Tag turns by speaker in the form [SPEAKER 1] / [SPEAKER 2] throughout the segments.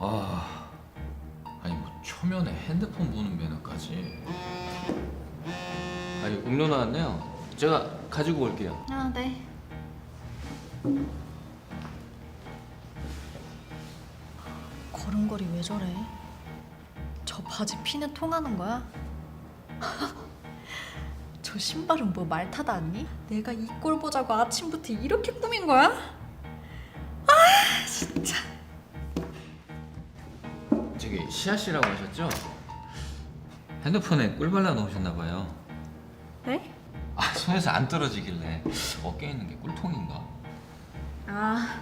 [SPEAKER 1] 아니 뭐 초면에 핸드폰 보는 매너까지. 아니 음료 나왔네요. 제가 가지고 올게요.
[SPEAKER 2] 아, 네. 걸음걸이 왜 저래? 저 바지 피는 통하는 거야? 저 신발은 뭐 말 타다 왔니? 내가 이 꼴 보자고 아침부터 이렇게 꾸민 거야? 아 진짜.
[SPEAKER 1] 저기 시아 씨라고 하셨죠? 핸드폰에 꿀 발라 놓으셨나 봐요.
[SPEAKER 2] 네?
[SPEAKER 1] 손에서 안 떨어지길래 어깨에 있는 게 꿀통인가?
[SPEAKER 2] 아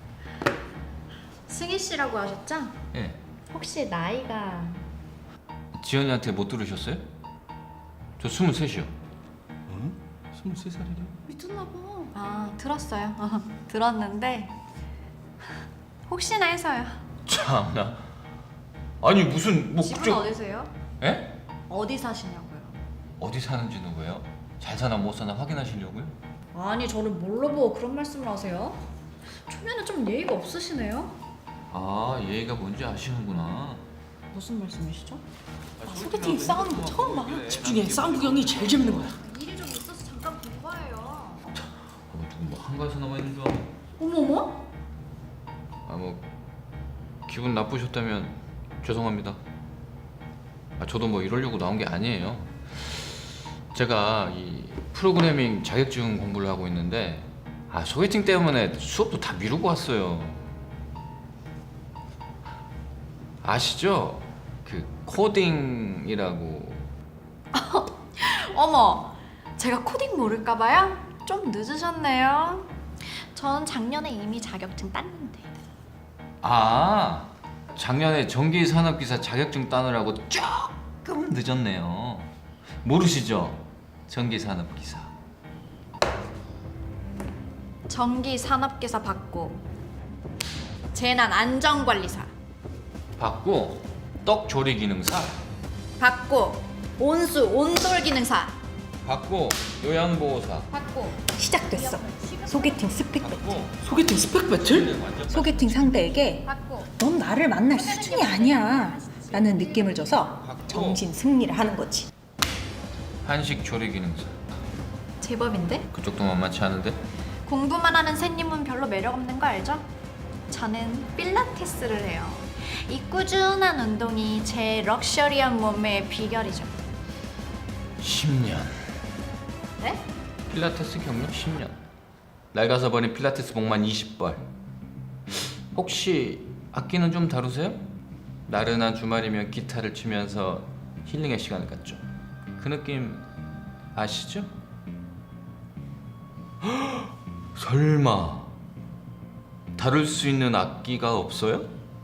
[SPEAKER 2] 승희 씨라고 하셨죠?
[SPEAKER 1] 예.
[SPEAKER 2] 혹시 나이가
[SPEAKER 1] 지연이한테 못 들으셨어요? 저 23이요. 응? 23살이래?
[SPEAKER 2] 미쳤나 봐. 아 들었어요. 들었는데 혹시나 해서요.
[SPEAKER 1] 참나. 아니 무슨 뭐
[SPEAKER 2] 집은 어디세요?
[SPEAKER 1] 예?
[SPEAKER 2] 어디 사시냐고요?
[SPEAKER 1] 어디 사는지는 왜요? 잘 사나 못 사나 확인하시려고요?
[SPEAKER 2] 아니 저를 뭘로 보고 그런 말씀을 하세요? 초면에 좀 예의가 없으시네요.
[SPEAKER 1] 아 예의가 뭔지 아시는구나.
[SPEAKER 2] 무슨 말씀이시죠?
[SPEAKER 3] 소개팅 싸우는 거 처음 봐. 집중해. 싸움 구경이 제일 재밌는 거야.
[SPEAKER 2] 일이 좀 있어서 잠깐 본 거예요.
[SPEAKER 1] 누구 뭐 한가해서 남아 있는 줄 알아?
[SPEAKER 2] 어머머?
[SPEAKER 1] 뭐 기분 나쁘셨다면 죄송합니다. 저도 뭐 이러려고 나온 게 아니에요. 제가 이 프로그래밍 자격증 공부를 하고 있는데 소개팅 때문에 수업도 다 미루고 왔어요. 아시죠? 그 코딩이라고.
[SPEAKER 2] 어머, 제가 코딩 모를까 봐요? 좀 늦으셨네요. 전 작년에 이미 자격증 땄는데.
[SPEAKER 1] 작년에 전기산업기사 자격증 따느라고 조금 늦었네요. 모르시죠? 전기산업기사.
[SPEAKER 2] 전기 산업기사 받고 재난 안전관리사
[SPEAKER 1] 받고 떡조리 기능사.
[SPEAKER 2] 받고 온수 온돌 기능사
[SPEAKER 1] 받고 요양보호사.
[SPEAKER 2] 받고
[SPEAKER 3] 시작됐어. 소개팅 스펙 배틀.
[SPEAKER 1] 받고
[SPEAKER 3] 소개팅 스펙 배틀? 소개팅 상대에게
[SPEAKER 2] 받고
[SPEAKER 3] 넌 나를 만날 수준이 아니야 라는 느낌을 줘서 정신 승리를 하는 거지.
[SPEAKER 1] 한식 조리 기능사.
[SPEAKER 2] 제법인데?
[SPEAKER 1] 그쪽도 만만치 않은데?
[SPEAKER 2] 공부만 하는 새님은 별로 매력 없는 거 알죠? 저는 필라테스를 해요. 이 꾸준한 운동이 제 럭셔리한 몸매의 비결이죠.
[SPEAKER 1] 10년.
[SPEAKER 2] 네?
[SPEAKER 1] 필라테스 경력 10년. 낡아서 버린 필라테스 복만 20벌. 혹시 악기는 좀 다루세요? 나른한 주말이면 기타를 치면서 힐링의 시간을 갖죠. 그 느낌 아시죠? 설마 다룰 수 있는 악기가 없어요?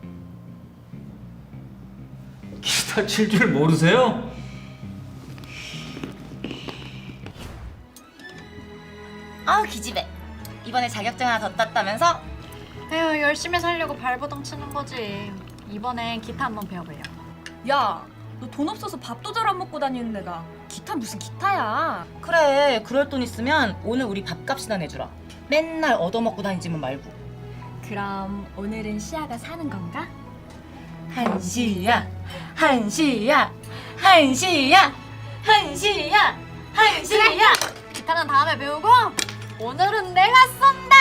[SPEAKER 1] 기타 칠 줄 모르세요?
[SPEAKER 4] 기집애. 이번에 자격증 하나 더 땄다면서?
[SPEAKER 2] 에휴 열심히 살려고 발버둥 치는 거지. 이번엔 기타 한번 배워보려고.
[SPEAKER 5] 야, 너 돈 없어서 밥도 잘 안 먹고 다니는 애가 기타 무슨 기타야?
[SPEAKER 4] 그래, 그럴 돈 있으면 오늘 우리 밥값이나 내주라. 맨날 얻어먹고 다니지만 말고.
[SPEAKER 5] 그럼 오늘은 시아가 사는 건가?
[SPEAKER 4] 한시야, 한시야, 한시야, 한시야, 한시야.
[SPEAKER 2] 기타는 다음에 배우고 오늘은 내가 쏜다.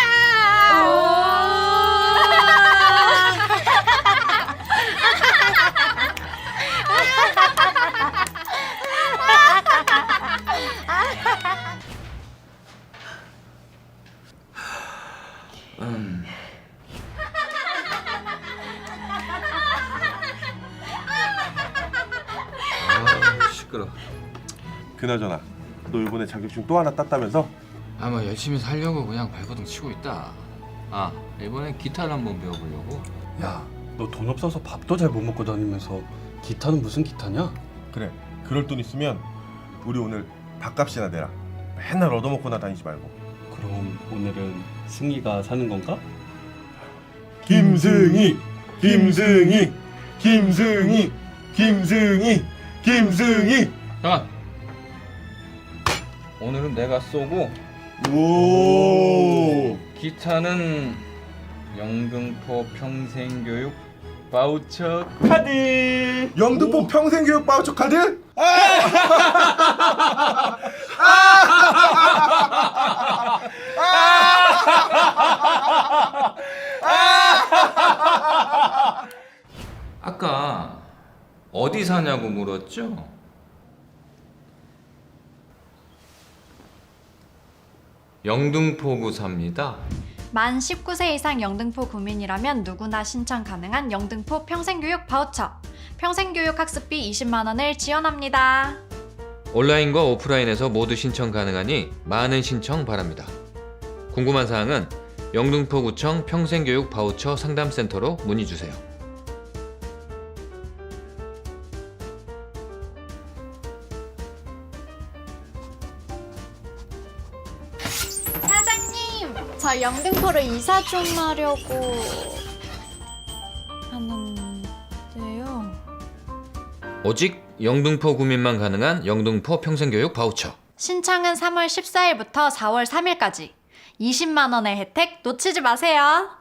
[SPEAKER 1] 시끄러.
[SPEAKER 6] 그나저나 너 이번에 자격증 또 하나 땄다면서?
[SPEAKER 1] 뭐 열심히 살려고 그냥 발버둥 치고 있다. 이번엔 기타를 한번 배워보려고.
[SPEAKER 6] 야, 너 돈 없어서 밥도 잘 못 먹고 다니면서 기타는 무슨 기타냐? 그래, 그럴 돈 있으면 우리 오늘 밥값이나 내라. 맨날 얻어먹고나 다니지 말고.
[SPEAKER 7] 그럼 오늘은 승희가 사는 건가?
[SPEAKER 6] 김승희, 김승희, 김승희, 김승희, 김승희.
[SPEAKER 1] 잠깐. 오늘은 내가 쏘고
[SPEAKER 6] 오.
[SPEAKER 1] 기타는 영등포 평생교육 바우처 카드.
[SPEAKER 6] 영등포 평생교육 바우처 카드?
[SPEAKER 1] 아까 어디 사냐고 물었죠? 영등포구 삽니다.
[SPEAKER 2] 만 19세 이상 영등포 구민이라면 누구나 신청 가능한 영등포 평생교육 바우처. 평생교육 학습비 20만 원을 지원합니다.
[SPEAKER 1] 온라인과 오프라인에서 모두 신청 가능하니 많은 신청 바랍니다. 궁금한 사항은 영등포구청 평생교육 바우처 상담센터로 문의 주세요.
[SPEAKER 2] 사장님, 저 영등포로 이사 좀 하려고 하는데요.
[SPEAKER 1] 오직 영등포 구민만 가능한 영등포 평생교육 바우처.
[SPEAKER 2] 신청은 3월 14일부터 4월 3일까지. 20만 원의 혜택 놓치지 마세요.